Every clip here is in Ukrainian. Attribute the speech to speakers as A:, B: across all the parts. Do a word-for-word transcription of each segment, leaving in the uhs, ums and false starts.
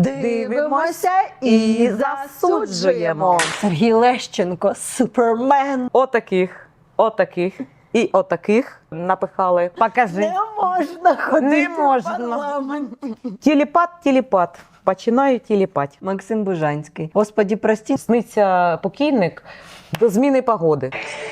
A: Дивимося і засуджуємо. Сергій Лещенко, супермен.
B: Отаких, отаких і отаких напихали. Покажи.
A: Не можна ходити
B: Не можна.
A: в парламент.
B: Тіліпат, тіліпат. Починаю тіліпать.
A: Максим Бужанський. Господі, прості.
B: Сниться покійник до зміни погоди.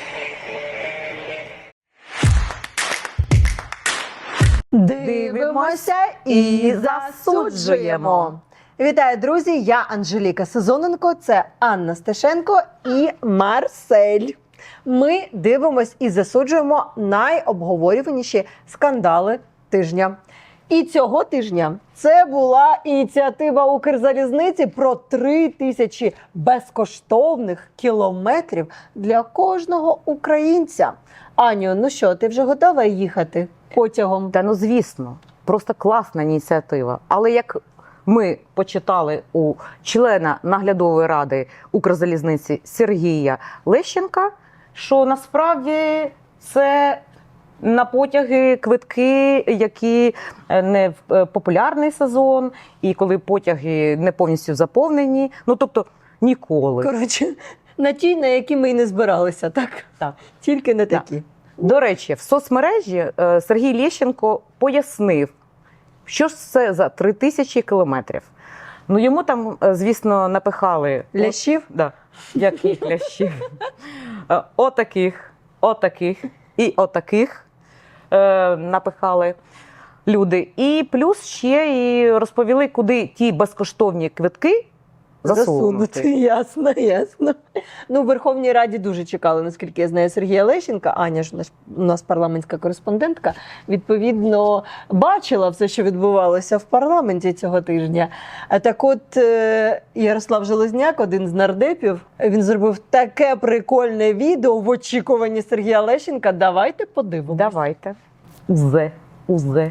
A: Дивимося і засуджуємо. Вітаю, друзі! Я Анжеліка Сезоненко, це Анна Стешенко і Марсель. Ми дивимось і засуджуємо найобговорюваніші скандали тижня. І цього тижня це була ініціатива Укрзалізниці про три тисячі безкоштовних кілометрів для кожного українця. Аню, ну що, ти вже готова їхати потягом?
B: Та ну звісно, просто класна ініціатива. Але як ми почитали у члена наглядової ради Укрзалізниці Сергія Лещенка, що насправді це на потяги квитки, які не в популярний сезон, і коли потяги не повністю заповнені, ну тобто ніколи.
A: Коротше, на ті, на які ми і не збиралися, так?
B: Так.
A: Тільки не такі.
B: До речі, в соцмережі е, Сергій Лещенко пояснив, що ж це за три тисячі кілометрів. Ну, йому там, е, звісно, напихали...
A: Лящів?
B: От, да, яких лящів? Е, Отаких, отаких і отаких е, напихали люди. І плюс ще і розповіли, куди ті безкоштовні квитки засунути.
A: Ясно, ясно. Ну, в Верховній Раді дуже чекали, наскільки я знаю, Сергія Лещенка. Аня ж наш- у нас парламентська кореспондентка, відповідно, бачила все, що відбувалося в парламенті цього тижня. А так от е, Ярослав Железняк, один з нардепів, він зробив таке прикольне відео в очікуванні Сергія Лещенка. Давайте подивимось.
B: Давайте. Узе, узе.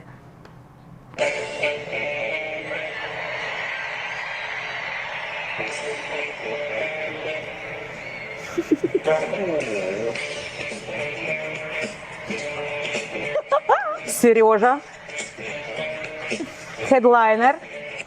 B: Сережа. Хедлайнер.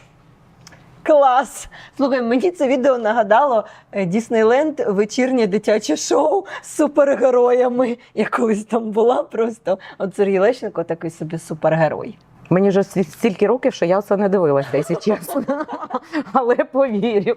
A: Клас! Слухай, мені це відео нагадало е, Діснейленд вечірнє дитяче шоу з супергероями. Я колись там була просто. От Сергій Лещенко такий собі супергерой.
B: Мені вже стіль- стільки років, що я це не дивилася, якщо чесно. Але повірю.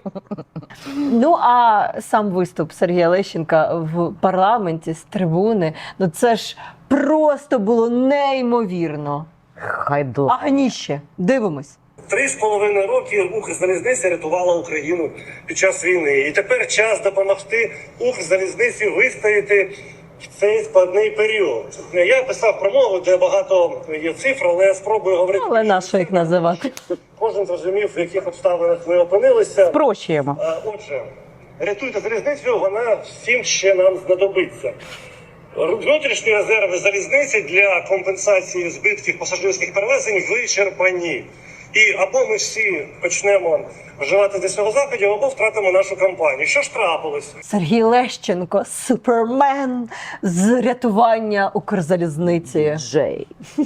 A: Ну, а сам виступ Сергія Лещенка в парламенті з трибуни, ну це ж просто було неймовірно.
B: Хайдла.
A: Агніще. Дивимось.
C: Три з половиною роки Укрзалізниця рятувала Україну під час війни. І тепер час допомогти Укрзалізниці вистояти в цей складний період. Я писав промову, де багато є цифр, але я спробую говорити.
A: Але на що їх називати?
C: Кожен зрозумів, в яких обставинах ми опинилися.
B: Спрощуємо.
C: А, Отже, рятуйте залізницю, вона всім ще нам знадобиться. Внутрішні резерви залізниці для компенсації збитків пасажирських перевезень вичерпані. І або ми всі почнемо вживати до цього заходів, або втратимо нашу компанію. Що ж трапилось?
A: Сергій Лещенко, супермен з рятування Укрзалізниці.
B: Джей.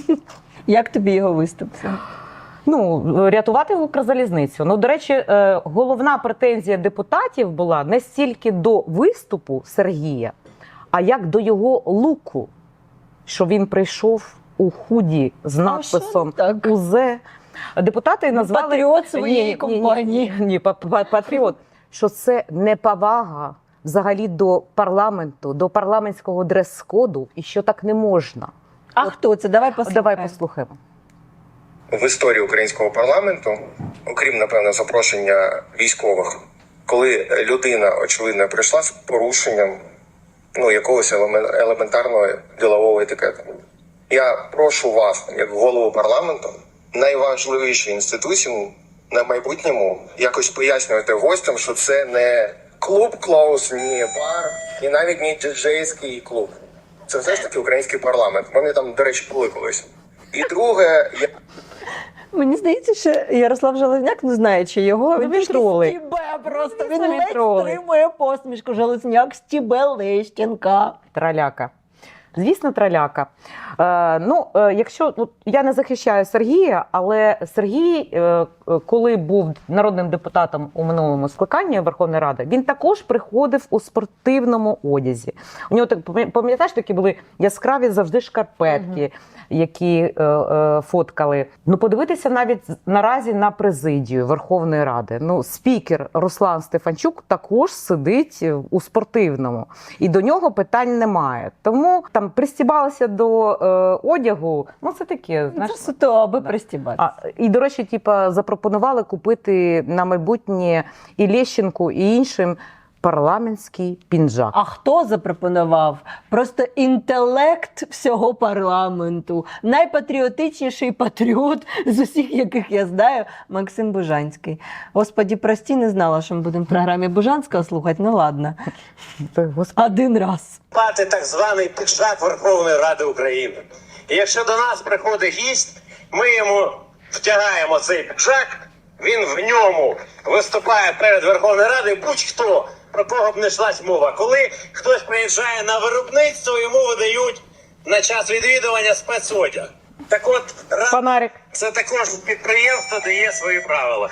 A: Як тобі його виступ?
B: Ну, рятувати Укрзалізницю. Ну, до речі, е, головна претензія депутатів була не стільки до виступу Сергія, а як до його луку, що він прийшов у худі з надписом
A: так?
B: УЗЕ. Депутати назвали...
A: Патріот своєї
B: Ні, ні,
A: компанії.
B: Ні, ні, па- па- патріот. Що це неповага взагалі до парламенту, до парламентського дрес-коду, і що так не можна.
A: А хто це? Давай послухаємо.
B: Давай послухаємо.
D: В історії українського парламенту, окрім, напевно, запрошення військових, коли людина, очевидно, прийшла з порушенням ну, якогось елемен- елементарного ділового етикету. Я прошу вас, як голову парламенту, найважливіші інституції на майбутньому якось пояснювати гостям, що це не клуб Клоус, ні бар, і навіть не діджейський клуб. Це все ж таки український парламент. Вони там, до речі, були колись. І друге, я
A: Мені здається, що Ярослав Железняк, не знаючи його,
B: він
A: він
B: тролить.
A: стібе просто.
B: Ну,
A: Він
B: він
A: ледь
B: тролить.
A: стримує посмішку. Железняк стібе Лещенка.
B: Траляка. Звісно, траляка. Е, ну, е, якщо ну, я не захищаю Сергія, але Сергій е, е, коли був народним депутатом у минулому скликанні Верховної Ради, він також приходив у спортивному одязі. У нього так пам'ятаєш, такі були яскраві завжди шкарпетки, які е, е, фоткали. Ну, подивитися навіть наразі на президію Верховної Ради. Ну, спікер Руслан Стефанчук також сидить у спортивному. І до нього питань немає. Тому там пристібалися до е, одягу. Ну, це таке, знаєш.
A: Це суто, аби
B: Да.
A: пристібатися.
B: А, і, до речі, типа, запропонували купити на майбутнє і Лещенку, і іншим парламентський пінжак.
A: А хто запропонував? Просто інтелект всього парламенту. Найпатріотичніший патріот з усіх, яких я знаю, Максим Бужанський. Господі, прості, не знала, що ми будемо в програмі Бужанського слухати. Ну ладно.
B: Це, Господи.
A: Один раз.
C: Мати так званий піджак Верховної Ради України. І якщо до нас приходить гість, ми йому втягаємо цей піджак, він в ньому виступає перед Верховною Радою, будь-хто, про кого б не йшлась мова. Коли хтось приїжджає на виробництво, йому видають на час відвідування спецодяг. Так от, Рада
B: Фонарик.
C: – це також підприємство, де є свої правила.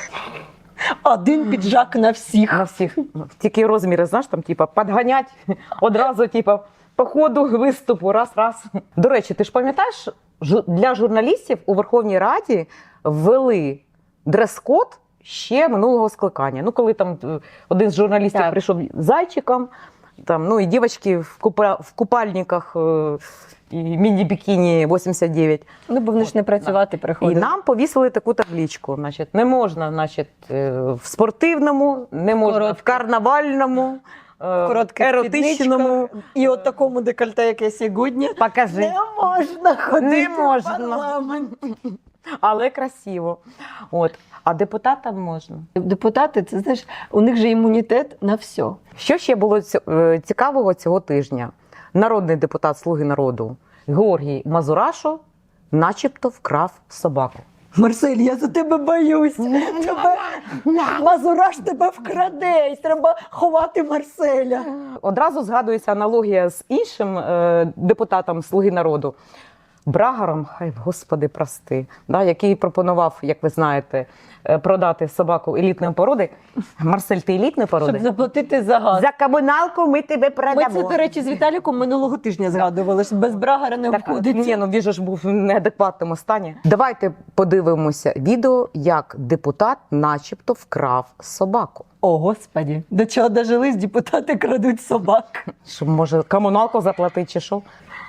A: Один піджак на всіх.
B: На всіх. Тільки розміри, знаєш, там, типа, підганять одразу, типа, по ходу виступу, раз-раз. До речі, ти ж пам'ятаєш, жу- для журналістів у Верховній Раді ввели дрес-код ще минулого скликання. Ну, коли там е, один з журналістів
A: Так.
B: прийшов зайчиком, там, ну, і дівчатки в, купа, в купальниках е, і міні-бікіні вісімдесят дев'ять.
A: Ну, бо вони ж не працювати
B: І
A: приходять.
B: нам повісили таку табличку. Значить, не можна, значить, е, в спортивному, не можна
A: Коротких.
B: в карнавальному, е,
A: Коротких
B: еротичному.
A: спідничках і от такому декольте, яке сьогодні.
B: Покажи.
A: Не можна ходити
B: Не можна.
A: в парламент.
B: Але красиво. От. А депутатам можна.
A: Депутати, це знаєш, у них же імунітет на все.
B: Що ще було ці- е, цікавого цього тижня? Народний депутат «Слуги народу» Георгій Мазурашо начебто вкрав собаку.
A: Марсель, я за тебе боюсь. Тебе... Мазураш тебе вкраде, і треба ховати Марселя.
B: Одразу згадується аналогія з іншим е, депутатом «Слуги народу» Брагаром, хай Господи прости, да, який пропонував, як ви знаєте, е, продати собаку елітної породи. Марсель, ти елітної
A: Щоб
B: породи?
A: заплатити за газ.
B: За комуналку ми тебе
A: Ми
B: продамо.
A: це, до речі, з Віталіком минулого тижня згадували, що без Брагара не
B: Так,
A: обходиться.
B: ні, ну він же ж був в неадекватному стані. Давайте подивимося відео, як депутат начебто вкрав собаку.
A: О, Господі, до чого дожились, депутати крадуть собак.
B: Щоб, може, комуналку заплатити чи що?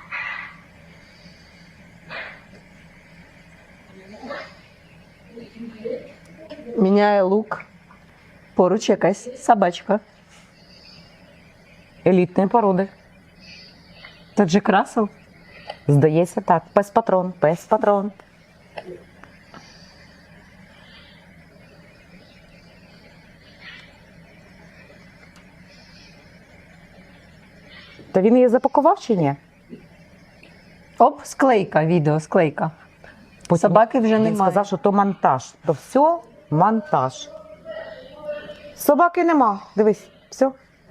A: Міняє лук. Поруч якась собачка.
B: Елітної породи.
A: Так же красив.
B: Здається, так. Пес-патрон, пес-патрон. Та він її запакував чи ні?
A: Оп, склейка, відео, склейка. Собаки вже
B: Він
A: немає.
B: сказав, що то монтаж. То все монтаж. Собаки нема. Дивись, все.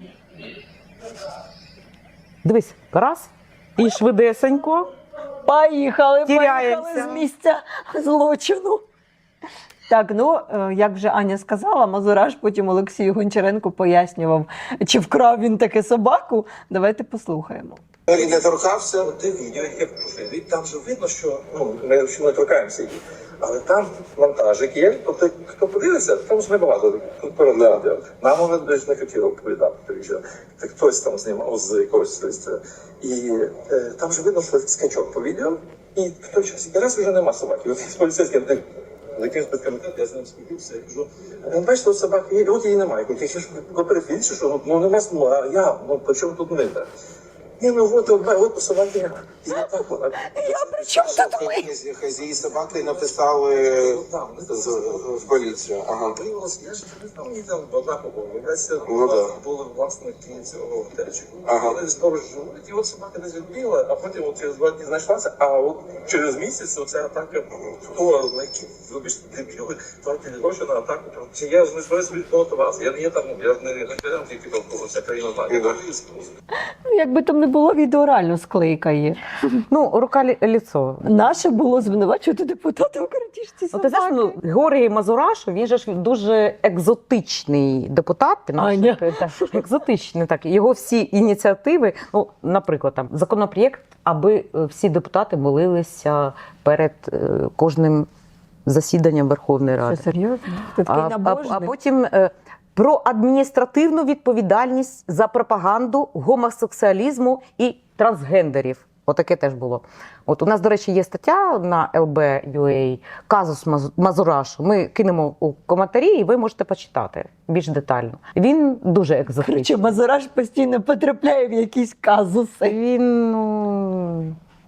B: Dивись, раз. І швидесенько.
A: Поїхали,
B: Тіряємося.
A: поїхали з місця злочину. Так, ну, е, як вже Аня сказала, Мазураш потім Олексію Гончаренку пояснював, чи вкрав він таки собаку. Давайте послухаємо.
E: Він не торкався, те відео, яке профіль. Там же видно, що ну, ми ще не торкаємося її. Але там монтажик є, тобто хто подивиться, там ж небагато переглядів. Нам вони десь не хотіли оповідати, тому що так хтось там знімав з якогось листя. І е, там же видно, що скачок по відео, і в той час якраз вже нема собаки. От з поліцейським ти з якимось спецкомітетом, я з ним спілкувався, я кажу, «Ну, бачите, от собаки є, і от її немає. Я кажу, що перефіль, чи що, ну нема смуга, а я, ну по чому тут ми? Ні, ну от, от, от собаки. І так вона.
A: Я при чому тут ми?
E: Хазії собаки написали з, в поліцію. Ага. Я ж не знав, мені там одна побовилася. Ну, да. Були власники цього готельчику. Ага. Вони сторож живуть, і от собака десь відбігла, а потім от через два дні знайшлася, а от через місяць оця атака, хто знайшов, вибачте, дебіли, платили гроші на атаку. Чи я ж не збираюся підготуватися? Я не є там, я ж не не тільки довкола, вся країна знає.
A: Ну, якби там не було відео, реально склейка є.
B: Ну, рука лі- ліцо.
A: Наше було звинувачувати депутата у крадіжці
B: Ну, ти знаєш,
A: собаки.
B: ну, Георгій Мазурашу, він же ж дуже екзотичний депутат. Наш,
A: Аня.
B: так, екзотичний, так. Його всі ініціативи, ну, наприклад, там, законопроєкт, аби е, всі депутати молилися перед е, кожним засіданням Верховної Ради.
A: Що, серйозно? Ти такий
B: А, а,
A: набожний?
B: а потім е, про адміністративну відповідальність за пропаганду гомосексуалізму і трансгендерів. Отаке теж було. От у нас, до речі, є стаття на ел бі точка ю а «Казус Маз- Мазурашу». Ми кинемо у коментарі, і ви можете почитати більш детально. Він дуже
A: Короче,
B: екзотичний.
A: Мазураш постійно потрапляє в якісь казуси.
B: Він ну,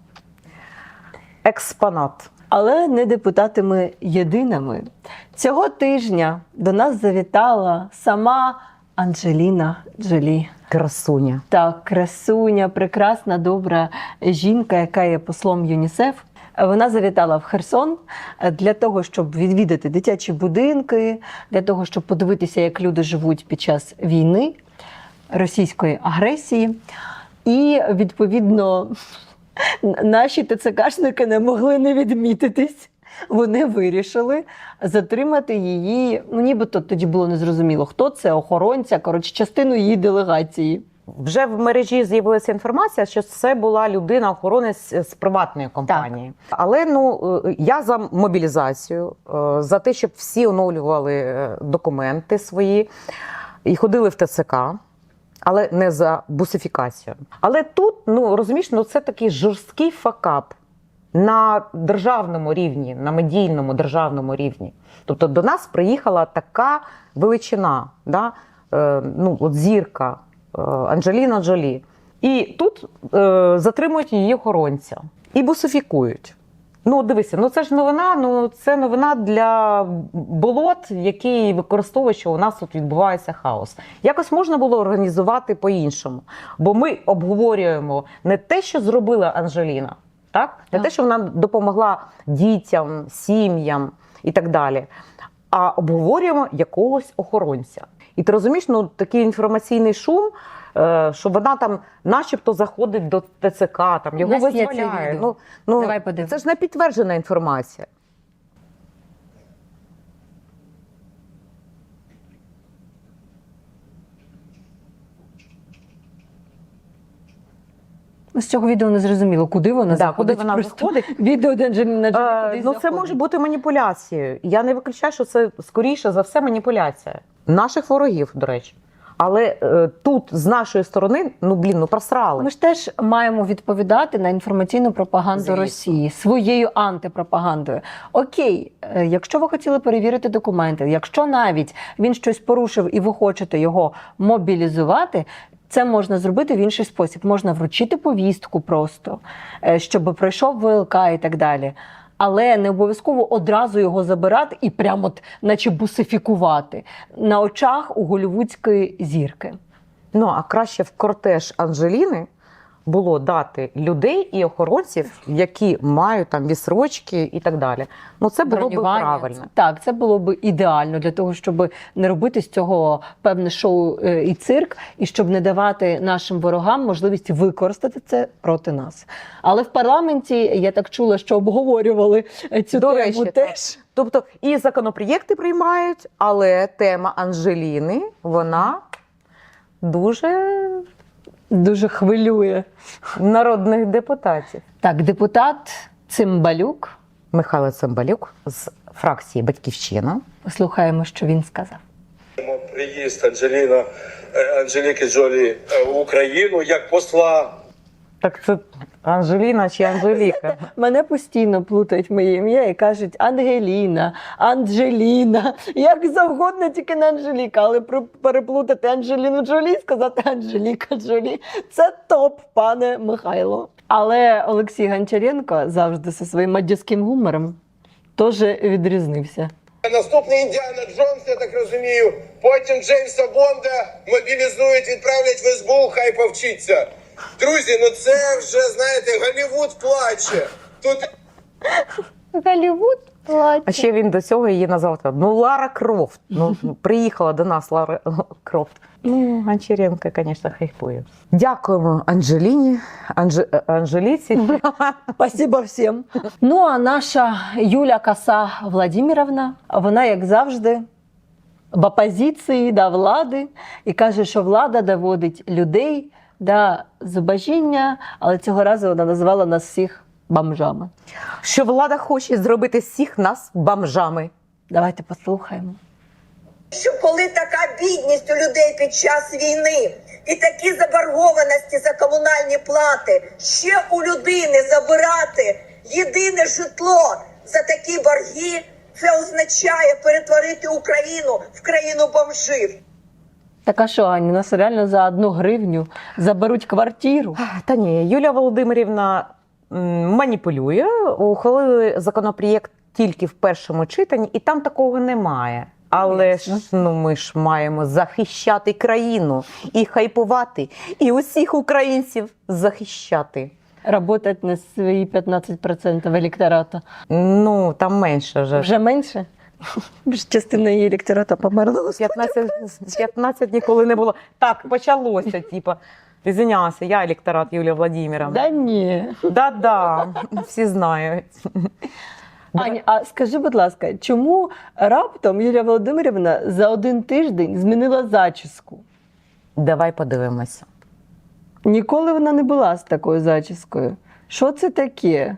B: експонат.
A: Але не депутатами єдиними. Цього тижня до нас завітала сама Анджеліна Джолі.
B: Красуня.
A: Так, красуня, прекрасна, добра жінка, яка є послом ЮНІСЕФ. Вона завітала в Херсон для того, щоб відвідати дитячі будинки, для того, щоб подивитися, як люди живуть під час війни, російської агресії. І, відповідно, наші ТЦКшники не могли не відмітитись. Вони вирішили затримати її, ну нібито тоді було незрозуміло, хто це, охоронця, коротше, частину її делегації.
B: Вже в мережі з'явилася інформація, що це була людина-охоронець з приватної компанії. Але ну е, я за мобілізацію, е, за те, щоб всі оновлювали е, документи свої і ходили в ТЦК, але не за бусифікацію. Але тут, ну розумієш, ну це такий жорсткий факап на державному рівні, на медійному державному рівні. Тобто до нас приїхала така величина, да? е, ну, от зірка е, Анджеліна Джолі. І тут е, затримують її охоронця і бусифікують. Ну, дивися, ну це ж новина, ну це новина для болот, які використовують, що у нас тут відбувається хаос. Якось можна було організувати по-іншому. Бо ми обговорюємо не те, що зробила Анджеліна, так? Не
A: Так.
B: те, що вона допомогла дітям, сім'ям і так далі, а обговорюємо якогось охоронця. І ти розумієш, ну такий інформаційний шум, е, що вона там начебто заходить до ТЦК, там його
A: У нас є це
B: визволяє.
A: відео.
B: Ну, ну,
A: Давай подивимось.
B: це ж не підтверджена інформація.
A: З цього відео не зрозуміло, куди вона
B: Да,
A: заходить.
B: куди вона
A: Просто
B: заходить.
A: Відео, де Анджеліна Джолі
B: Е,
A: кудись
B: ну, це
A: заходить.
B: може бути маніпуляцією. Я не виключаю, що це скоріше за все маніпуляція. Наших ворогів, до речі. Але е, тут з нашої сторони, ну блін, ну просрали.
A: Ми ж теж маємо відповідати на інформаційну пропаганду
B: Звісно.
A: Росії своєю антипропагандою. Окей, е, якщо ви хотіли перевірити документи, якщо навіть він щось порушив і ви хочете його мобілізувати, це можна зробити в інший спосіб. Можна вручити повістку просто, е, щоб пройшов ВЛК і так далі. Але не обов'язково одразу його забирати і прямо от, наче бусифікувати на очах у голлівудської зірки.
B: Ну, а краще в кортеж Анджеліни було дати людей і охоронців, які мають там відсрочки і так далі. Ну, це було б
A: Бронювання.
B: правильно.
A: Так, це було б ідеально для того, щоб не робити з цього певне шоу е, і цирк, і щоб не давати нашим ворогам можливість використати це проти нас. Але в парламенті я так чула, що обговорювали е, цю
B: До
A: тему
B: речі, так.
A: теж.
B: Тобто і законопроєкти приймають, але тема Анджеліни, вона дуже
A: Дуже хвилює.
B: народних депутатів.
A: Так, депутат Цимбалюк.
B: Михайло Цимбалюк з фракції «Батьківщина».
A: Послухаємо, що він сказав.
C: Приїзд Анджеліна е, Анджеліки Джолі е, в Україну як посла.
B: Так це Анжеліна чи Анжеліка?
A: Мене постійно плутають моє ім'я і кажуть Ангеліна, Анджеліна, як завгодно, тільки не Анжеліка, але про- переплутати Анджеліну Джолі і сказати Анжеліка Джолі – це топ, пане Михайло. Але Олексій Гончаренко завжди зі своїм аддівським гумором теж відрізнився.
C: Наступний Індіана Джонс, я так розумію. Потім Джеймса Бонда мобілізують, відправлять в ес бе у, хай повчиться. Друзі, ну це вже, знаєте, Голлівуд плаче. Тут
A: Голлівуд
B: А ще він до цього її назвав, ну, Лара Крофт. Ну, приїхала до нас Лара Крофт. Ну, Гончаренко, звісно, хайпує. Дякуємо Анжеліні, Анж... Анжеліці.
A: Спасибо всім. Ну, а наша Юля Коса Владимировна, вона, як завжди, в опозиції до влади і каже, що влада доводить людей до зубожіння, але цього разу вона назвала нас всіх бомжами.
B: Що влада хоче зробити всіх нас бомжами.
A: Давайте послухаємо.
F: Що коли така бідність у людей під час війни і такі заборгованості за комунальні плати, ще у людини забирати єдине житло за такі борги, це означає перетворити Україну в країну бомжів.
A: Так а що, Аня, нас реально за одну гривню заберуть квартиру?
B: Та ні, Юлія Володимирівна м, маніпулює, ухвалили законопроєкт тільки в першому читанні, і там такого немає. Але ж ну, ми ж маємо захищати країну і хайпувати, і усіх українців захищати.
A: Работать на свої п'ятнадцять відсотків електората.
B: Ну, там менше вже.
A: Вже менше? Більш частина її електората померла.
B: п'ятнадцять, п'ятнадцять ніколи не було. Так, почалося, типа. Извинялася, я електорат Юлія Владимировна.
A: Да ні.
B: Да-да, всі знають.
A: Аня, а скажи, будь ласка, чому раптом Юлія Володимирівна за один тиждень змінила зачіску?
B: Давай подивимося.
A: Ніколи вона не була з такою зачіскою. Що це таке?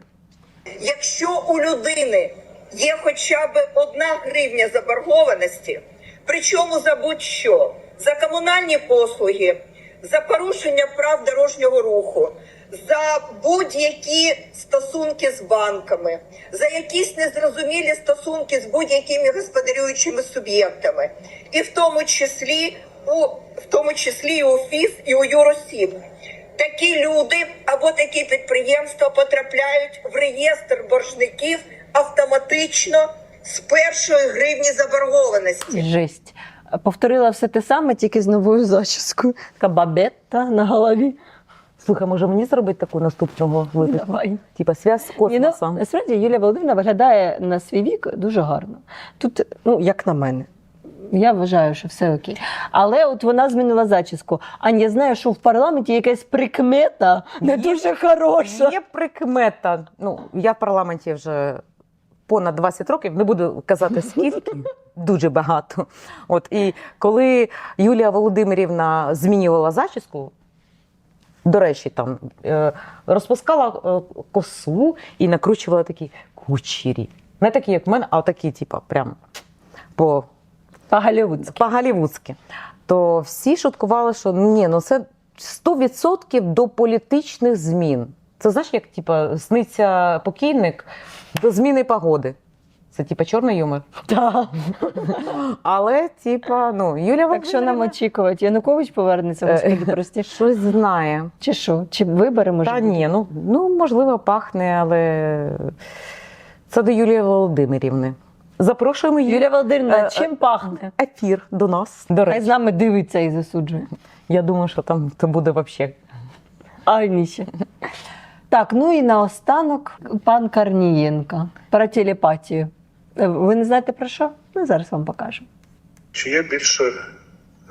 F: Якщо у людини є хоча б одна гривня заборгованості, причому за будь-що, за комунальні послуги, за порушення прав дорожнього руху, за будь-які стосунки з банками, за якісь незрозумілі стосунки з будь-якими господарюючими суб'єктами, і в тому числі у в тому числі і у ФІС, і у юросіб. Такі люди або такі підприємства потрапляють в реєстр боржників автоматично з першої гривні заборгованості.
A: Жесть. Повторила все те саме, тільки з новою зачіскою. Така бабетта на голові.
B: Слухай, може мені зробити таку наступного випуску?
A: Давай.
B: Типа зв'язок з
A: Ні, ну,
B: космосом.
A: насправді Юлія Володимирівна виглядає на свій вік дуже гарно. Тут, ну, як на мене, я вважаю, що все окей. Але от вона змінила зачіску. Аня, я знаю, що в парламенті якась прикмета не
B: Є-
A: дуже хороша.
B: Є прикмета. Ну, я в парламенті вже понад двадцять років, не буду казати скільки, дуже багато. От, і коли Юлія Володимирівна змінювала зачіску, до речі, там е, розпускала е, косу і накручувала такі кучері. Не такі, як в мене, а такі, типу, прям по,
A: По-голлівудськи.
B: по-голлівудськи. То всі шуткували, що ні, ну це сто відсотків до політичних змін. Це знаєш, як типу, сниться покійник до зміни погоди. Це типу чорний юмор.
A: Так.
B: Але, типа, ну, Юлія
A: Так що нам
B: Володимирівна
A: очікувати? Янукович повернеться, господи, прості.
B: щось знає.
A: Чи що? Чи вибори, може?
B: Та
A: бути?
B: ні, ну, ну можливо, пахне, але це до Юлії Володимирівни. Запрошуємо її
A: Юлія Володимирівна,
B: Е,
A: чим пахне?
B: ефір до нас. До
A: Хай
B: речі,
A: з нами дивиться і засуджує.
B: я думаю, що там це буде взагалі.
A: Аніще. Так, ну і наостанок пан Корнієнко про телепатію. Е, Ви не знаєте про що? Ми зараз вам покажемо.
C: Чи є більше. Е...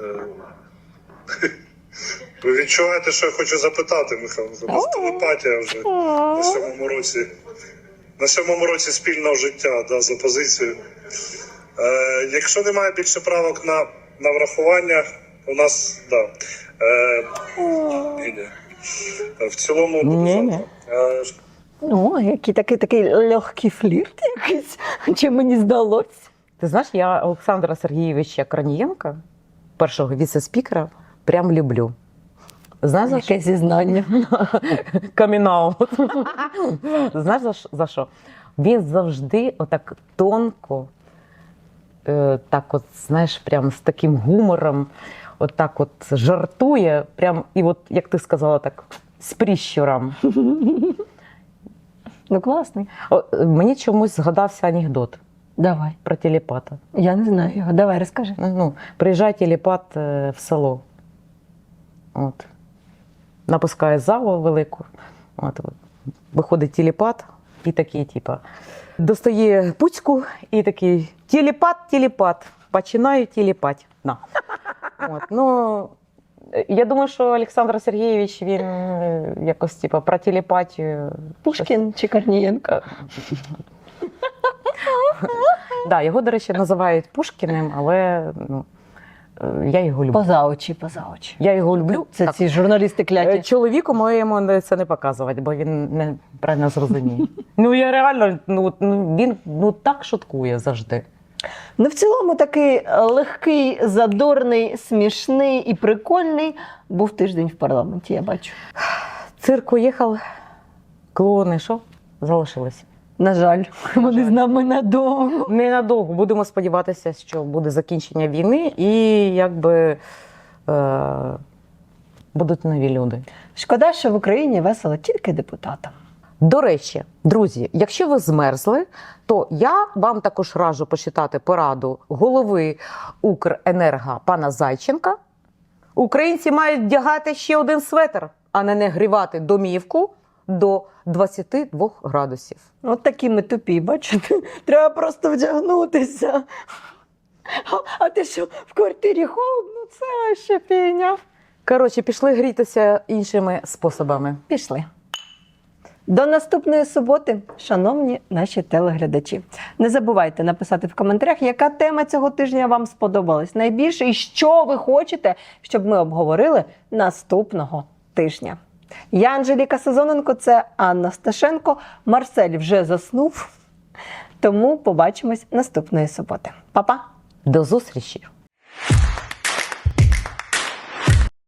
C: Ви відчуваєте, що я хочу запитати, Михайло? Це телепатія вже на сьомому році. На сьомому році спільного життя, да, з опозицією. Е, якщо немає більше правок на, на врахування, у нас, да. Е, ні, ні. В цілому
B: Ні, ні.
C: Е,
A: Ну, який такий, такий легкий флірт якийсь, чи мені здалося.
B: Ти знаєш, я Олександра Сергійовича Корнієнка, першого віце-спікера, прям люблю. Знаєш, за що?
A: Яке зізнання.
B: Камінаут. Знаєш за, ш- за що? Він завжди отак тонко, е, так от, знаєш, прям з таким гумором, отак от жартує, прям, і от, як ти сказала, так, з прищуром.
A: Ну, класний.
B: О, мені чомусь згадався анекдот
A: Давай.
B: про телепата.
A: Я не знаю його. Давай, розкажи.
B: Ну, приїжджає телепат е, в село. От. Напускає залу велику. От, от. Виходить телепат, і такий, типа, достає пуцьку і такий телепат, телепат, починаю телепать. На. От, ну, я думаю, що Олександр Сергійович, він е, якось, типа, про телепатію.
A: Пушкін чи Корнієнко?
B: Да, його, до речі, називають Пушкіним, але ну, е, я його люблю.
A: Поза очі, поза очі.
B: Я його люблю.
A: Це
B: Так.
A: ці журналісти
B: Е,
A: кляті.
B: Чоловіку моєму це не показувати, бо він неправильно зрозуміє. Ну, я реально, ну, ну, він ну, так шуткує завжди.
A: Ну, в цілому такий легкий, задорний, смішний і прикольний був тиждень в парламенті, я бачу.
B: Цирк уїхав, клоуни що? Залишилися.
A: На жаль, вони з нами надовго.
B: Ненадовго. Будемо сподіватися, що буде закінчення війни і якби е, будуть нові люди.
A: Шкода, що в Україні весело тільки депутатам.
B: До речі, друзі, якщо ви змерзли, то я вам також раджу почитати пораду голови Укренерго пана Зайченка. Українці мають вдягати ще один светр, а не нагрівати домівку до двадцяти двох градусів.
A: От такі ми тупі, бачите? Треба просто вдягнутися. А, а ти що, в квартирі холодно? Це ще фігня.
B: Коротше, пішли грітися іншими способами.
A: Пішли. До наступної суботи, шановні наші телеглядачі. Не забувайте написати в коментарях, яка тема цього тижня вам сподобалась найбільше і що ви хочете, щоб ми обговорили наступного тижня. Я Анжеліка Сезоненко, це Анна Сташенко. Марсель вже заснув, тому побачимось наступної суботи. Па-па!
B: До зустрічі!